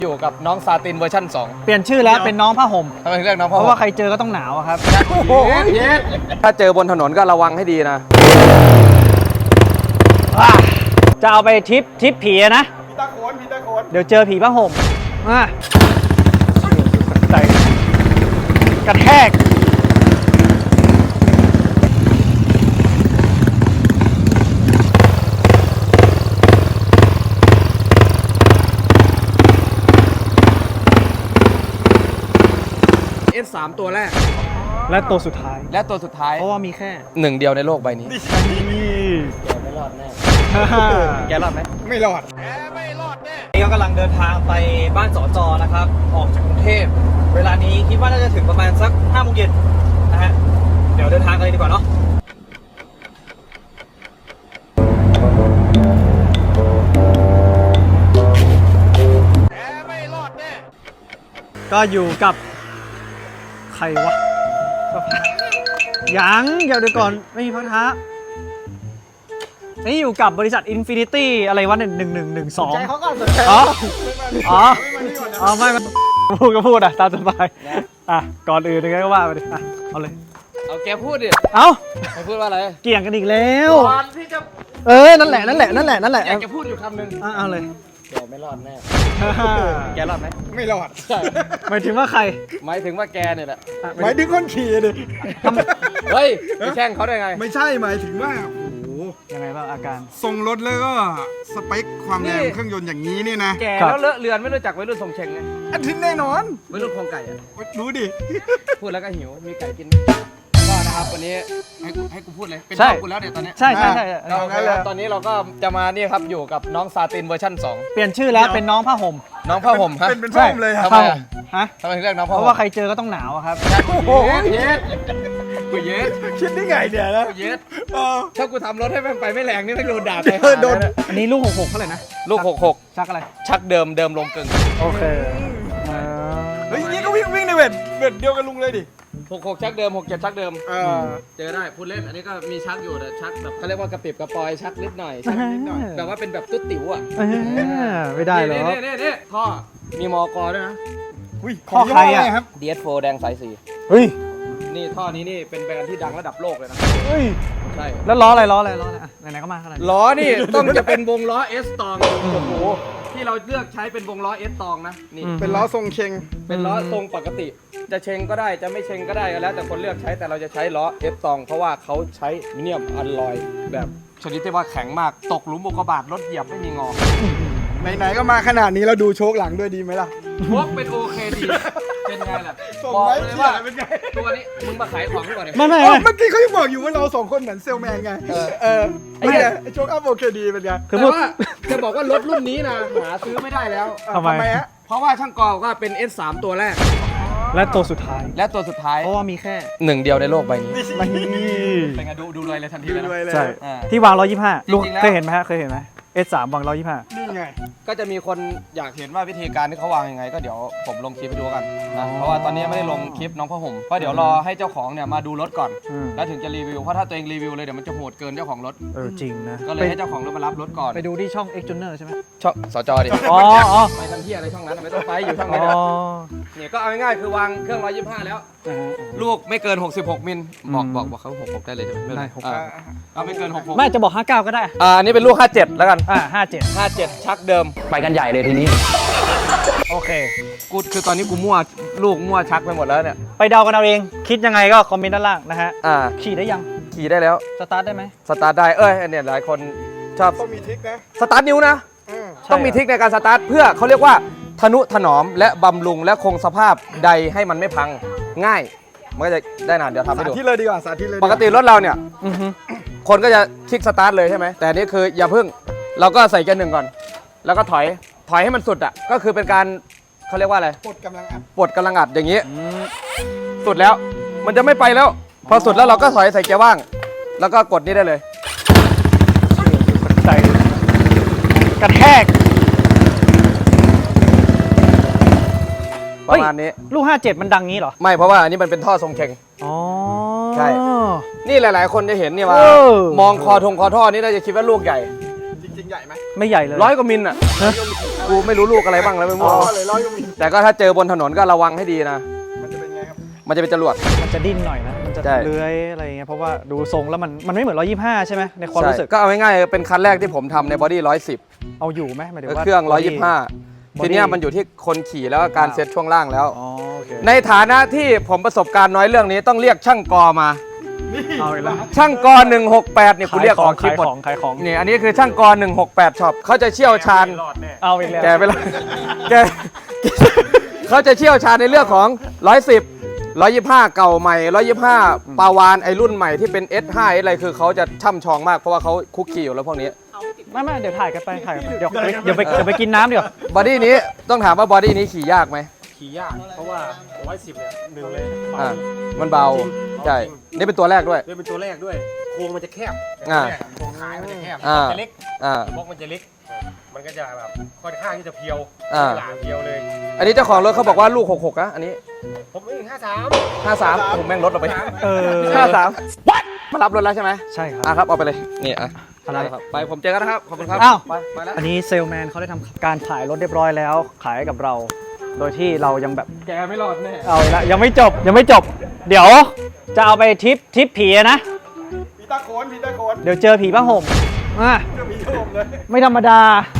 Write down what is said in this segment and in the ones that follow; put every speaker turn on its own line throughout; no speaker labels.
อยู่กับน้องซาตินเวอร์ชัน2
เปลี่ยนชื่อแล้วเป็นน้องผ้าห่ม
ทำไมถึงเรียกน้องผ้า
เพ
ห่ม
ราะว่าใครเจอก็ต้องหนาวอะครับ
ถ้าเจอบนถนนก็ระวังให้ดีนะ
จะเอาไปทริปผีนะผีตาโขนเดี๋ยวเจอผีผ้าห่มใส่กระแทก
S3 ตัวแรก
และตัวสุดท้าย
เพราะว่ามีแค่หนึ่งเดียวในโลกใบนี้แกไม่รอดแน่แกรอดไหม
ไม่รอดนี่ก็กำลังเดินทางไปบ้านสจนะครับออกจากกรุงเทพเวลานี้คิดว่าน่าจะถึงประมาณสัก5 โมงเย็นนะฮะเดี๋ยวเดินทางกันเลยดีกว่าเนาะก็อยู่กับใครวะยังอย่าเดี๋ยวก่อนไม่มีพักท้านี่อยู่กับบริษัท Infinity อะไรวะ1112ใจเขาก่อนสนใจไม่พูดก็พูดอ่ะตามสบายก่อนอื่นยังไงก็ว่าไปดิเอาเลย
เอาแกพูดดิให้พูดว่าอะไร
เกี่ยงกันอีกแล้ว
ก่อนที่จะ
นั่นแหละ
อยากจะพูดอยู่คำหนึ่ง
เอาเลย
แกไม่รอดแน่แกรอดไหม
ไม่รอดหมายถึงว่าใคร
หมายถึงว่าแกเนี่ยแหละ
หมายถึงคนขี่ดิ
เฮ้ยไปแช่งเขาได้ไง
ไม่ใช่หมายถึงว่า
ยังไงบ้างอาการ
ทรงรถแล้วก็สเปคความแรงเครื่องยนต์อย่างนี้นี่นะ
แกแล้วเลอะเลือนไม่รู้จักวัยรุ่นทรงเชงไง
อันที่แน่นอน
วัยรุ่นคลองไก่อะ
รู้ดิ
พูดแล้วก็หิวมีไก่กินก็นะครับวันนี้ให้กูพูดเลยเป็นน้องกูแล้วเดี๋ยวตอนนี้
ใช่
ตอนนี้เราก็จะมานี่ครับอยู่กับน้องซาตินเวอร์ชัน2
เปลี่ยนชื่อแล้วเป็นน้องผ้าห่ม
ฮะ
เป็นผ้าห่มเลย
ทำไมถึงเรียกน้องผ้าห่ม
เพราะว่าใครเจอก็ต้องหนาวครับ
กูเย็ด
คิดได้ไงเนี่ยนะ
กูเย็ดถ้ากูทำรถให้มันไปไม่แรงนี่ไม่โดนด่าไป
โดน
อันนี้ลูก66เท่าไหร่นะ
ลูก66
ชักอะไร
ชักเดิมลงกึ่ง
โอเค
เฮ้ยนี่ก็วิ่งในเวทเดียวกันลุงเลยดิ
66ชักเดิม67ชักเดิมเจอได้พูดเล่นอันนี้ก็มีชักอยู่แต่ชักแบบเขาเรียกว่ากระปิบกระปอยชักนิดหน่อยแบบว่าเป็นแบบตุ๊ดติ๋วอ่ะ
ไม่ได้หรอ
นี่ท่อมีมกด้วยนะ
ข้อใครอ่ะ
ครับ DS4 แดงสาย4
เฮ้ย
นี่ท่อนี้นี่เป็นแบรนด์ที่ดังระดับโลกเลยนะ
เฮ้ย
ใช่
แล้วล้ออะไรไหนๆก็มาขนาด
ล้อนี่ต้องจะเป็นวงล้อ S ตองโอ้โหที่เราเลือกใช้เป็นวงล้อ S ตองนะนี่
เป็นล้อทรงเชง
เป็นล้อทรงปกติจะเชงก็ได้จะไม่เชงก็ได้แล้วแต่คนเลือกใช้แต่เราจะใช้ล้อ S ตองเพราะว่าเขาใช้มิเนียมอลลอยแบบชนิดที่ว่าแข็งมากตกหลุมอุกกาบาตรถเหยียบไม่มีงอ
ไหนๆก็มาขนาดนี้เราดูโชคหลังด้วยดีไหมล่ะ
โชคเป็นโอเคดีเป็นไงล่ะ
บอกเลยว่าเป็นไง
ตัวนี้มึงมาขายของก่อนเลย
ไม่
เมื่อกี้เขายังบอกอยู่ว่าเรา2 คนเหมือนเซลแมนไงไอ้โชคอัพโอเคดีเป็นไง
แต่ว่าจะบอกว่ารถรุ่นนี้นะหาซื้อไม่ได้แล้ว
ทำไมฮะ
เพราะว่าช่างกอว่าเป็น S3 ตัวแรก
และตัวสุดท้าย
เพราะว่ามีแค่1 เดียวในโลกใบนี้เป็นไงดูเลยทันทีเลย
ใช่ที่วาง125ลูกเคยเห็นไหมS3 วาง125
นี่ไง
ก็จะมีคนอยากเห็นว่าวิธีการที่เขาวางยังไงก็เดี๋ยวผมลงคลิปไปดูกันนะเพราะว่าตอนนี้ไม่ได้ลงคลิปน้องผ้าห่มก็เดี๋ยวรอให้เจ้าของเนี่ยมาดูรถก่อนแล้วถึงจะรีวิวเพราะถ้าตัวเองรีวิวเลยเดี๋ยวมันจะโหดเกินเจ้าของรถ
จริงนะ
ก็เลยให้เจ้าของรถมารับรถก่อน
ไปดูที่ช่อง X Junior ใช่ไหม
ช่องสจดิไปทำเที่ยอะไรช่องนั้นไม่ต้องไปอยู่ช่องนี้เนี่ยก็เอาง่ายๆคือวางเครื่อง125แล้วลูกไม่เกิน66มิลบอกเขา66ได้เลยใช่ไหม
ได้
เอาไม่เกิน66
ไม่จะบอก59ก็ได้
อันนี้เป็นลูก57แล้วกัน
57
ชักเดิมไปกันใหญ่เลยทีนี้
โอเค
กูคือตอนนี้กูมั่วชักไปหมดแล้วเนี่ย
ไปเดากันเอาเองคิดยังไงก็คอมเมนต์ด้านล่างนะฮะขี่ได้ยัง
ขี่ได้แล้ว
สตาร์ทได้ไหม
สตาร์ทได้เนี่ยหลายคนชอบ
ต้องมีทริคนะ
สตาร์ทนิ้วนะต้องมีทริคในการสตาร์ทเพื่อเขาเรียกว่าทนุถนอมและบำรุงและคงสภาพใดให้มันไม่พังง่ายมันก็จะได้นานเดี๋ยวทำให้ดู
สาธิตเลยดีกว่าสาธิตเลย
ปกติรถเราเนี่ยคนก็จะคลิกสตาร์ทเลยใช่ไหมแต่นี่คืออย่าพึ่งเราก็ใส่เกียร์ 1ก่อนแล้วก็ถอยให้มันสุดอ่ะก็คือเป็นการเขาเรียกว่าอะไร
ปลดกำลัง
อัดอย่างนี้สุดแล้วมันจะไม่ไปแล้วพอสุดแล้วเราก็ถอยใส่เกียร์ว่างแล้วก็กดนี่ได้เลย
ใส่กระแทก
ประมาณนี้
ลูก57มันดังงี้เหรอ
ไม่เพราะว่าอันนี้มันเป็นท่อทรงเชงใช่นี่หลายๆคนจะเห็นนี่ว่ามองคอท่อนี่น่าจะคิดว่าลูกใหญ่
จริงๆใหญ่ไหม
ไม่ใหญ่เลย
100 กว่ามิลอ่ะกูไม่รู้ลูกอะไรบ้างแล้วไม่
อ๋
รู้
อเลย100 กว่ามิล
แต่ก็ถ้าเจอบนถนนก็ระวังให้ดีนะ
มันจะเป็นไงครับ
มันจะเป็นจรวด
มันจะดิ้นหน่อยนะ มันจะ
ใช่
เลื้อยอะไรอย่างเงี้ย เพราะว่าดูทรงแล้วมันไม่เหมือน 125 ใช่ไหมในความรู้สึก
ก็เอาง่ายๆเป็นคันแรกที่ผมทำในบอดี้110
เอาอยู่ไหมหมายถึงว่า
เครื่อง
body
125 ทีเนี้ยมันอยู่ที่คนขี่แล้วก็การเซ็ตช่วงล่างแล้ว
อ๋อโอเค
ในฐานะที่ผมประสบการณ์น้อยเรื่องนี้ต้องเรียกช่างกอมา
เอาอีกแล้ว
ช่างกอ168เนี่ยกูเรียกออกคลิป
ขาย
หมด
ของขายของ
นี่อันนี้คือช่างกอ168ช็อปเขาจะเชี่ยวชาญ
เอาอีกแล้ว
แกไปแล้วแกเขาจะเชี่ยวชาญในเรื่องของ110 125 เก่าใหม่125ปาวานไอรุ่นใหม่ที่เป็น S5 อะไรคือเขาจะช่ำชองมากเพราะว่าเขาคุกคีอยู่แล้วพวกนี้
ไม่เดี๋ยวถ่ายกันไปเดี๋ยวไปกินน้ำเดี๋ยว
บอดี้นี้ต้องถามว่าบอดี้นี้ขี่ยากไหม
ขี่ยากเพราะว่า110เนี่ยหนึ่งเลย
อ่ามันเบาใช่นี่เป็นตัวแรกด้วย
ด้วยเป็นตัวแรกด้วยโครงมันจะแคบ
อ่า
โครงท้ายมันจะแคบ
อ่า
จะเล็ก
อ่า
บล็อกมันจะเล็ก มันก็จะแบบค่อนข้างที่จะเพียว
อ่า
หลาเพียวเลย
อันนี้เจ้าของรถเขาบอกว่าลูก66นะอันนี้
ผมเอง53
53ผมแม่งลดออกไป
เออ
53มารับรถแล้วใช่ไหม
ใช่ครับ
อ่ะครับเอาไปเลยนี่อ่ะ
อะไร
ครับไปผมเจอกันนะครับขอบคุณครับ
อ้าว
ไปแล้ว
อันนี้เซลแมนเขาได้ทำการขายรถเรียบร้อยแล้ว ขายให้กับเรา โดยที่เรายังแบบ
แกไม่รอดแน่
เอาอีกแล้วยังไม่จบ เดี๋ยวจะเอาไปทริปผีอะนะ
พีตาโคนพีตาโคน
เดี๋ยวเจอผีผ้าห่มอ่ะ
จะมีโยมเลย
ไม่ธรรมดา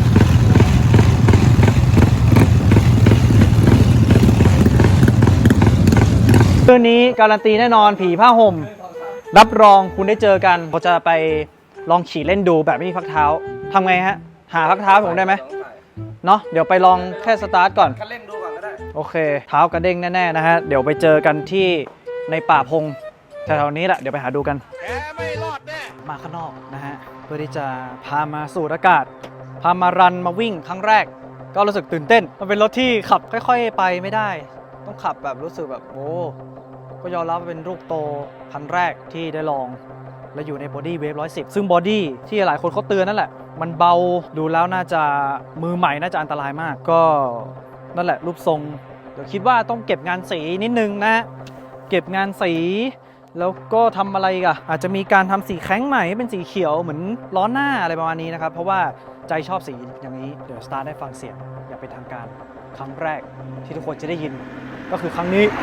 คืนนี้การันตีแน่นอนผีผ้าห่ม รับรองคุณได้เจอกันเราจะไปลองขี่เล่นดูแบบไม่มีพักเท้าทำไงฮะ หาพักเท้าให้ผมได้ไหมเนาะเดี๋ยวไปลองแค่สตาร์ทก่อน
คันเร่งดูก่อนก็ได้
โอเค เท้ากระเด้งแน่ๆนะฮะ เดี๋ยวไปเจอกันที่ในป่าพงแถวๆนี้แหละ เดี๋ยวไปหาดูกัน
แกไม่รอดแน่
มาข้างนอกนะฮะ เพื่อที่จะพามาสูดอากาศ พามารันมาวิ่งครั้งแรก ก็รู้สึกตื่นเต้น มันเป็นรถที่ขับค่อยๆไปไม่ได้ ต้องขับแบบรู้สึกแบบโอ้ก็ยอมรับว่าเป็นลูกโตคันแรกที่ได้ลอง และอยู่ในบอดี้เวฟ110 ซึ่งบอดี้ที่หลายคนเขาเตือนนั่นแหละ มันเบาดูแล้วน่าจะมือใหม่น่าจะอันตรายมาก ก็นั่นแหละรูปทรง เดี๋ยวคิดว่าต้องเก็บงานสีนิดนึงนะ เก็บงานสี แล้วก็ทำอะไรอีกันอาจจะมีการทำสีแข้งใหม่ให้เป็นสีเขียวเหมือนล้อหน้าอะไรประมาณนี้นะครับ เพราะว่าใจชอบสีอย่างนี้ เดี๋ยวสตาร์ได้ฟังเสียงอย่างเป็นทางการครั้งแรกที่ทุกคนจะได้ยิน ก็คือครั้งนี้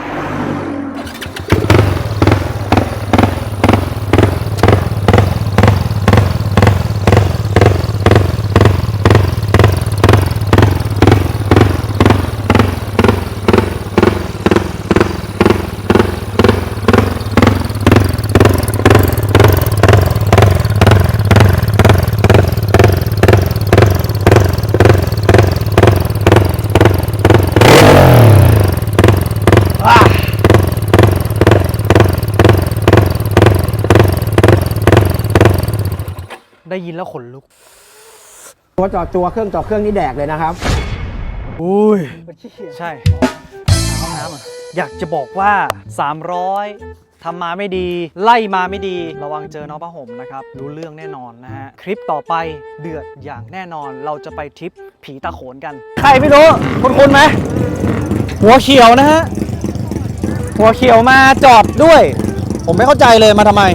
ได้ยินแล้วขนลุก
ตัวจอดตัวเครื่องนี่แดกเลยนะครับ
อุ้ย ใช่ห้องน้ำอ่ะอยากจะบอกว่า 300ทำมาไม่ดี ไล่มาไม่ดี ระวังเจอน้องผ้าห่มนะครับ รู้เรื่องแน่นอนนะฮะ คลิปต่อไปเดือดอย่างแน่นอน เราจะไปทริปผีตาโขนกัน ใครไม่รู้คุณไหม หัวเขียวนะฮะ หัวเขียวมาจอดด้วย ผมไม่เข้าใจเลยมาทำไม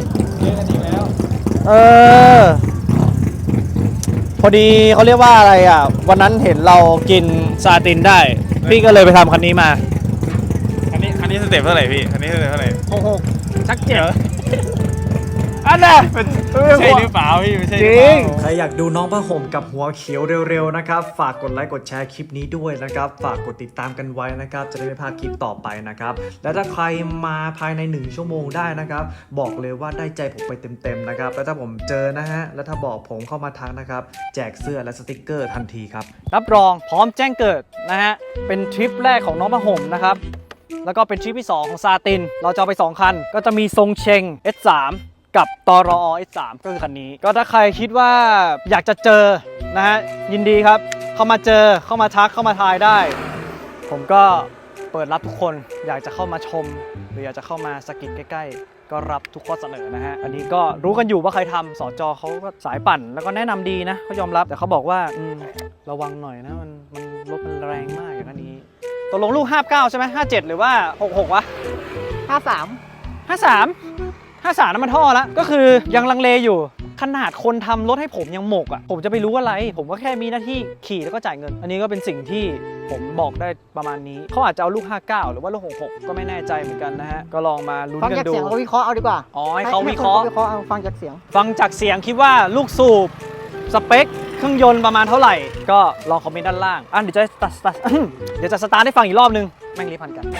พอดีเขาเรียกว่าอะไรอ่ะ วันนั้นเห็นเรากินซาตินได้ พี่ก็เลยไปทำคันนี้มา
คันนี้สเต็ปเท่าไหร่พี่ คันนี้สเต็ปเท่าไหร่
6ชักเจ็บอันน่ะ
ใช่หรือเปล่าพี่ไม่ใช่
จ
หรือ
ริ
เป
ง
ล่า
ใครอยากดูน้องผ้าห่มกับหัวเขียวเร็วๆนะครับ ฝากกดไลค์กดแชร์คลิปนี้ด้วยนะครับ ฝากกดติดตามกันไว้นะครับ จะได้ไม่พลาดคลิปต่อไปนะครับ และถ้าใครมาภายใน1ชั่วโมงได้นะครับ บอกเลยว่าได้ใจผมไปเต็มๆนะครับ แล้วถ้าผมเจอนะฮะ แล้วถ้าบอกผมเข้ามาทักนะครับ แจกเสื้อและสติกเกอร์ทันทีครับ รับรองพร้อมแจ้งเกิดนะฮะ เป็นทริปแรกของน้องผ้าห่มนะครับ แล้วก็เป็นทริปที่ 2 ของซาติน เราจะเอาไป 2 คัน ก็จะมีทรงเชง S3 กับตรอ S3 ก็คือคันนี้ ก็ถ้าใครคิดว่าอยากจะเจอนะฮะ ยินดีครับ เข้ามาเจอ เข้ามาทัก เข้ามาทายได้ ผมก็เปิดรับทุกคน อยากจะเข้ามาชม หรืออยากจะเข้ามาสกิดใกล้ๆ ก็รับทุกข้อเสนอนะฮะ อันนี้ก็รู้กันอยู่ว่าใครทำสจเขาก็สายปั่น แล้วก็แนะนำดีนะเขายอมรับ แต่เขาบอกว่าระวังหน่อยนะ มันรถมันแรงมากอย่างนี้ ตกลงลูก 59 ใช่ไหม57 หรือว่า 66 วะ 53 53 53น้ำมันท่อแล้ว ก็คือยังลังเลอยู่ ข
ขนาดคนทำรถให้ผมยังหมกอ่ะผมจะไปรู้อะไรผมก็แค่มีหน้าที่ขี่แล้วก็จ่ายเงิน อันนี้ก็เป็นสิ่งที่ผมบอกได้ประมาณนี้เขาอาจจะเอาลูก 59 หรือว่าลูก 66 ก็ไม่แน่ใจเหมือนกันนะฮะก็ลองมาลุ้น
ฟัง
กัน
จาก
ดู
เสียงเขาวิเคราะห์เอาดีกว่า
อ๋อให้เขาวิเคราะห์
วิเคราะห์เอาฟังจากเสียง
ฟังจากเสียงคิดว่าลูกสูบสเปคเครื่องยนต์ประมาณเท่าไหร่ก็ลองคอมเมนต์ด้านล่างเดี๋ยวจะเดี๋ยวจะสตาร์ทให้ฟังอีกรอบนึงแม่งรีบพันกัน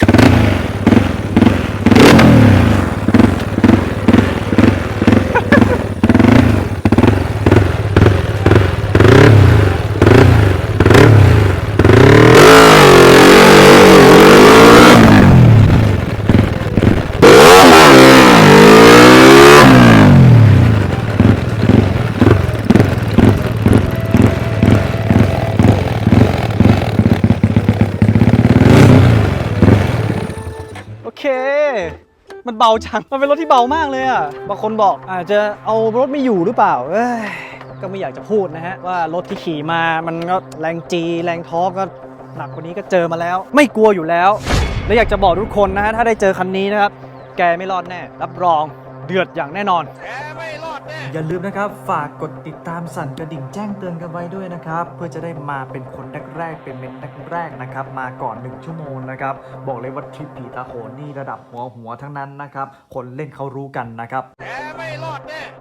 โอเคมันเบาจังมันเป็นรถที่เบามากเลยอ่ะบางคนบอกอาจจะเอารถไม่อยู่หรือเปล่าก็ไม่อยากจะพูดนะฮะว่ารถที่ขี่มามันก็แรงจีแรงท้อก็หนักกว่านี้ก็เจอมาแล้วไม่กลัวอยู่แล้วและอยากจะบอกทุกคนนะฮะถ้าได้เจอคันนี้นะครับแกไม่รอดแน่รับรองเดือดอย่างแน่นอน
อย่าลืมนะครับฝากกดติดตามสั่นกระดิ่งแจ้งเตือนกันไว้ด้วยนะครับเพื่อจะได้มาเป็นคนแรกๆเป็นเมนแรกๆนะครับมาก่อน1ชั่วโมงนะครับบอกเลยว่าทริปผีตาโขนนี่ระดับหัวทั้งนั้นนะครับคนเล่นเขารู้กันนะครับ